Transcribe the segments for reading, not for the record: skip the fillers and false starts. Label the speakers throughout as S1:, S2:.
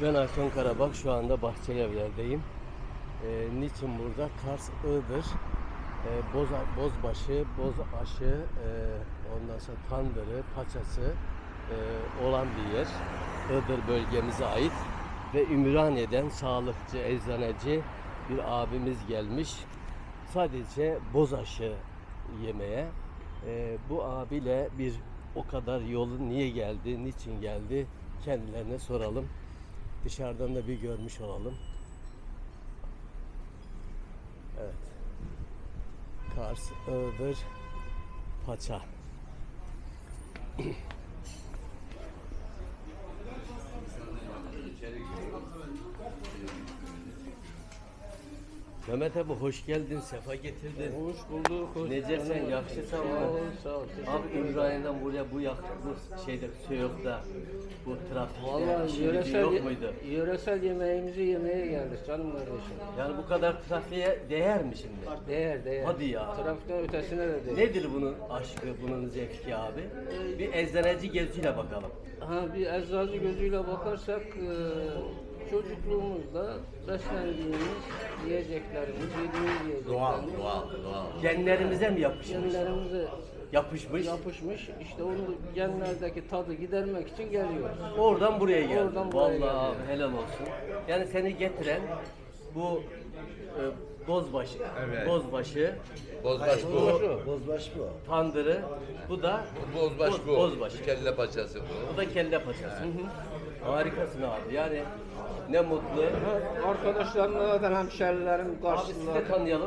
S1: Ben Hakan Karabak, şu anda Bahçelievler'deyim. Niçin burada? Kars, Iğdır, Bozbaşı, Bozaşı, ondan sonra Tandırı, Paçası olan bir yer. Iğdır bölgemize ait ve Ümraniye'den sağlıkçı, eczaneci bir abimiz gelmiş. Sadece bozaşı yemeye. Bu abiyle bir o kadar yolu niye geldi, niçin geldi kendilerine soralım. Dışarıdan da bir görmüş olalım. Evet. Kars, Iğdır, Paça. Mehmet abi hoş geldin, sefa getirdin.
S2: Hoş bulduk. Hoş
S1: Necesen, yakışırsan mı?
S2: Sağ ol.
S1: Abi İbrahim'den buraya bu şeyde Söğüt'te bu trafikte
S2: Vallahi
S1: şimdi yok muydu?
S2: yöresel yemeğimizi yemeye geldik canım kardeşim.
S1: Yani bu kadar trafiğe değer mi şimdi?
S2: Değer.
S1: Hadi ya.
S2: Trafikten ötesine de değer.
S1: Nedir bunun aşkı, bunun zevki abi? Bir eczaneci gözüyle bakalım.
S2: Bir eczacı gözüyle bakarsak çocukluğumuzda beslendiğimiz yiyeceklerimiz, yediğimiz yiyeceklerimiz
S3: Doğal.
S1: Genlerimize mi yapışmış?
S2: genlerimize
S1: Yapışmış.
S2: yapışmış. İşte onu genlerdeki tadı gidermek için geliyoruz.
S1: Oradan buraya geldi.
S2: Oradan buraya
S1: Vallahi
S2: geldi.
S1: abi helal olsun. Yani seni getiren bu Bozbaşı,
S3: Evet.
S1: Bozbaşı,
S3: Bozbaş bu.
S4: Bozbaş bu.
S1: Tandırı, bu da
S3: Bozbaş bu.
S1: Bozbaşı.
S3: Kelle paçası bu.
S1: Bu da kelle paçası. Harikasın abi. Yani ne mutlu.
S2: Arkadaşlarımla hemşerilerim
S1: Abi sizi de tanıyalım.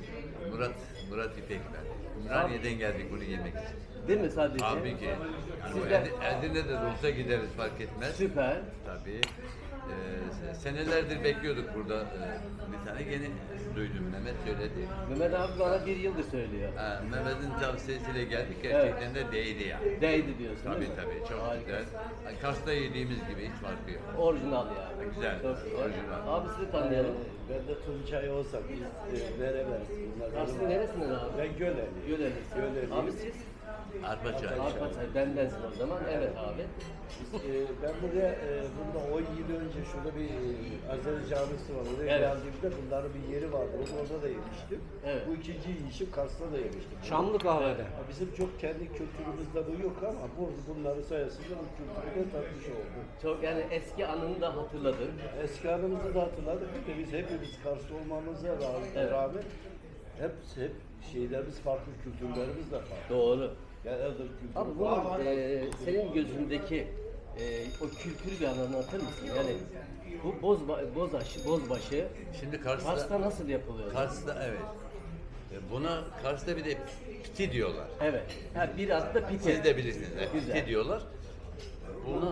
S3: Murat İpek ben. Ümraniye'den geldik bunu yemek için.
S1: Değil mi sadece?
S3: Tabii ki.
S1: Siz
S3: Yani
S1: de
S3: Edirne'de de olsa gideriz fark etmez.
S1: süper.
S3: Tabii. Senelerdir bekliyorduk burada. Bir tane yeni duydum. Mehmet söyledi.
S1: Mehmet abi bana bir yıldır söylüyor.
S3: Mehmet'in tavsiyesiyle geldik. Gerçekten de değdi ya.
S1: Değdi diyorsun
S3: Tabii
S1: değil mi?
S3: tabii. Çok
S1: Harika.
S3: güzel. Yani Kars'ta yediğimiz gibi hiç farkı yok.
S1: Orijinal yani.
S3: Güzel,
S1: Çok güzel.
S3: orijinal.
S1: Abi sizi tanıyalım.
S4: Ben de Tuncay olsak biz veremez.
S1: Kars'ın neresinden abi?
S4: Ben Göleli.
S1: Gölelisin.
S4: Göleliyim.
S1: Abi siz?
S3: Arpaçay.
S1: Arpaçay bendensin o zaman. Evet abi.
S4: Ben buraya bunda 10 yıl önce şurada bir Azeri camisi var. Oraya
S1: Evet.
S4: geldiğimde bunların bir yeri vardı. Orada da yemiştim.
S1: Evet.
S4: Bu ikinci yiyişim Kars'ta da yemiştim.
S2: Çamlı kahvede.
S4: Bizim çok kendi kültürümüzde bu yok ama bunları sayesinde bu kültürü de tatmış olduk.
S1: Çok yani eski anını da hatırladın.
S4: Eski anımızı da hatırladık. Bir de biz hepimiz Kars'ta olmamıza
S1: Evet.
S4: rağmen hep şeylerimiz farklı, kültürlerimiz de farklı.
S1: Doğru.
S4: Yani Iğdır kültürü.
S1: Abi bunun senin gözündeki o kültürü bir anlatır mısın? Yani bu Bozbaşı
S3: Şimdi
S1: Kars'ta
S3: Kars'ta,
S1: nasıl yapılıyor?
S3: evet. Buna Kars'ta bir de piti diyorlar.
S1: Evet. Ha, biraz da pite.
S3: Siz de bilirsiniz. Evet,
S1: Güzel.
S3: piti diyorlar. Buna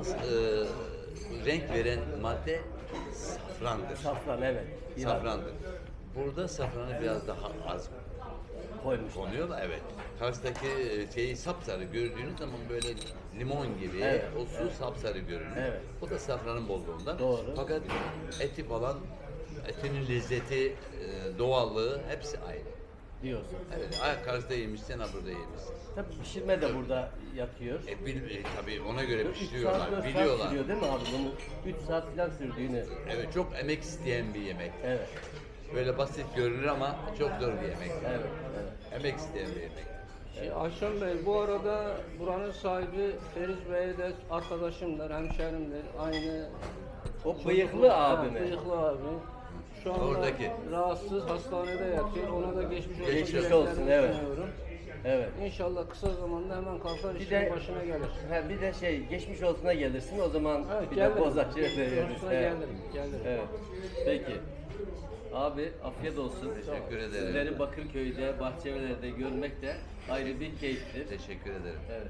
S3: renk veren madde safrandır.
S1: Safran evet. Biraz
S3: Safrandır. Burada safranı biraz daha az
S1: koymuşlar.
S3: konuyor da evet. Kars'taki şeyi sapsarı gördüğünüz zaman böyle limon gibi
S1: Evet,
S3: o su sapsarı görünür.
S1: Evet.
S3: Bu da safranın bolluğundan.
S1: Doğru.
S3: Fakat eti falan, etinin lezzeti, doğallığı hepsi aynı.
S1: Diyorsun.
S3: Evet, Kars'ta yemişsen ha burada yemişsin.
S1: Tabii pişirme de burada yatıyor.
S3: Tabii ona göre
S1: 3 saat 4
S3: pişiriyorlar,
S1: saat
S3: biliyorlar.
S1: sürüyor değil mi abi bunu? 3 saat falan sürdüğünü.
S3: Evet, çok emek isteyen bir yemek.
S1: Evet.
S3: Böyle basit görünür ama çok zor bir yemek.
S1: Evet.
S3: Emek isteyen bir yemek.
S2: Ayşem Bey, bu arada buranın sahibi Feriz Bey de arkadaşımdır, hemşerimdir. Aynı
S1: O bıyıklı
S2: Ha,
S1: abi mi?
S2: Bıyıklı abi. Şu anda
S3: Oradaki.
S2: rahatsız, hastanede yatıyor. Ona da geçmiş olsun.
S1: Geçmiş
S2: dileklerimi
S1: olsun, evet.
S2: sunuyorum.
S1: Evet.
S2: İnşallah kısa zamanda hemen kalkar
S1: Bir
S2: işin
S1: de
S2: başına gelir.
S1: Bir de geçmiş olsuna gelirsin o zaman
S2: Evet,
S1: bir
S2: gelirim.
S1: de bozacı veririz.
S2: Olsuna gelirim.
S1: Evet. Peki. Abi afiyet olsun.
S3: Teşekkür ederim.
S1: Sizleri Bakırköy'de, Bahçelievler'de görmek de ayrı bir keyiftir.
S3: Teşekkür ederim.
S1: Evet.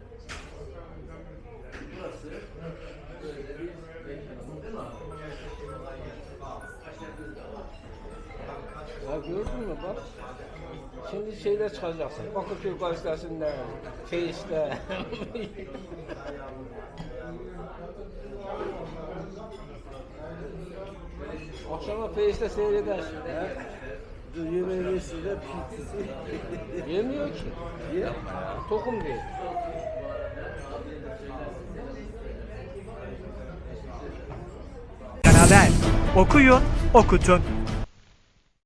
S1: Burası böyle bir mekanımız değil mi abi?
S2: Ya gördün mü bak. Şimdi şeyde çıkacaksın. Bakırköy gazetesinde, Face'de. Akşama Face'de seyredersin.
S4: Yemeğisi de pitisi.
S2: Yemiyor ki. Tokum değil.
S5: Canal Haber. Okuyun, okutun.